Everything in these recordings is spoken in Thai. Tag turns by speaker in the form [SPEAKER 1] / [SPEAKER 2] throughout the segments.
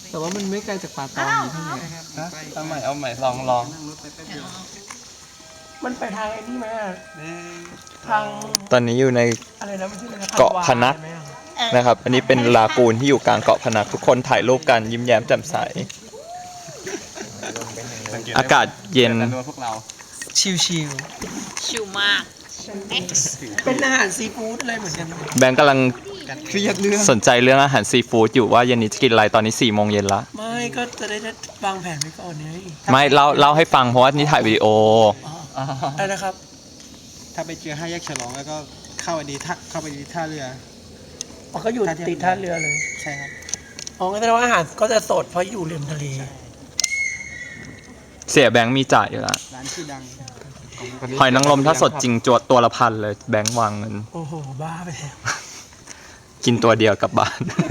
[SPEAKER 1] แต่ว่ามันไม่ไกลจากป่าตองอยู่เท่าไหร่
[SPEAKER 2] เอาใหม่ลอง
[SPEAKER 3] มันไปทางไอ้นี่ไหมอะทาง
[SPEAKER 2] ตอนนี้อยู่ใน
[SPEAKER 3] อะไรนะมันชื่ออะไรนะ
[SPEAKER 2] เกาะพนัส
[SPEAKER 3] ใช่ไหมอะ
[SPEAKER 2] นะครับ อันนี้เป็นลากูนที่อยู่กลางเกาะพนัสทุกคนถ่ายรูปกันยิ้มแย้มแจ่มใส อากาศเย็น
[SPEAKER 3] ชิว
[SPEAKER 4] ชิวมาก
[SPEAKER 3] ๆเป็นอาหารซีฟู้ดอะไรเหมือนกัน
[SPEAKER 2] แบงค์กำลัง
[SPEAKER 1] เครียดเรื่อง
[SPEAKER 2] สนใจเรื่องอาหารซีฟู้ดอยู่ว่าเย็นนี้จะกินอะไรตอนนี้4 โมงเย็นละ
[SPEAKER 3] ไม่ก็จะได้วางแผนไว้ก่อนไง
[SPEAKER 2] ไม่เล่าให้ฟังเพราะว่านี่ถ่ายวิดีโอ
[SPEAKER 3] อะไรนะครับ
[SPEAKER 1] ถ้าไปเจอ5 แยกฉลองแล้วก็เข้าไปดีท่าเรือ
[SPEAKER 3] อ๋อก็อยู่ติดท่าเรือเลย
[SPEAKER 1] ใช่ครับ
[SPEAKER 3] อ๋อก็แสดงว่าอาหารก็จะสดเพราะอยู่ริมทะเล
[SPEAKER 2] เสียแบงค์มีจ่ายอยู่ละ
[SPEAKER 1] ร้านชื่อดัง
[SPEAKER 2] หอยนางรมถ้าสดจริงจวดตัวละ1,000เลยแบงค์วางเงิน
[SPEAKER 3] โอ้โหบ้าไปแล้ว
[SPEAKER 2] กินตัวเดียวกลับบ้าน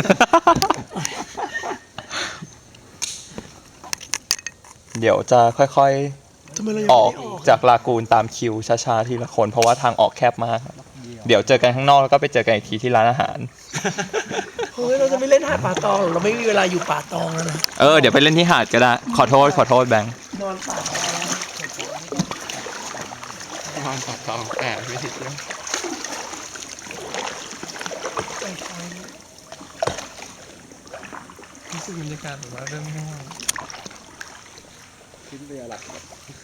[SPEAKER 2] เดี๋ยวจะค่อย
[SPEAKER 3] ทำไมเรายัง
[SPEAKER 2] ๆ อ
[SPEAKER 3] ไม่
[SPEAKER 2] อก
[SPEAKER 3] ได้ออก
[SPEAKER 2] จากลากูนตามคิวช้าๆทีละคนเพราะว่าทางออกแคบมาก เดี๋ยวเจอกันข้างนอกแล้วก็ไปเจอกันอีกทีที่ร้านอาหาร
[SPEAKER 3] เฮ้ยเราจะไม่เล่นหาดป่าตองหรอกเราไม่มีเวลาอยู่ป่าตองแล้วนะ
[SPEAKER 2] เดี๋ยวไปเล่นที่หาดก็ได้ ขอโทษแบงค์
[SPEAKER 3] นอนป่าตอง
[SPEAKER 1] นอนตองแต่ไม่ติดเรื่อง
[SPEAKER 3] ไปไทย
[SPEAKER 1] รู้สึกบรรยากาศแบบว่าเริ่มง่วง
[SPEAKER 5] ขึ้นเรือหลัก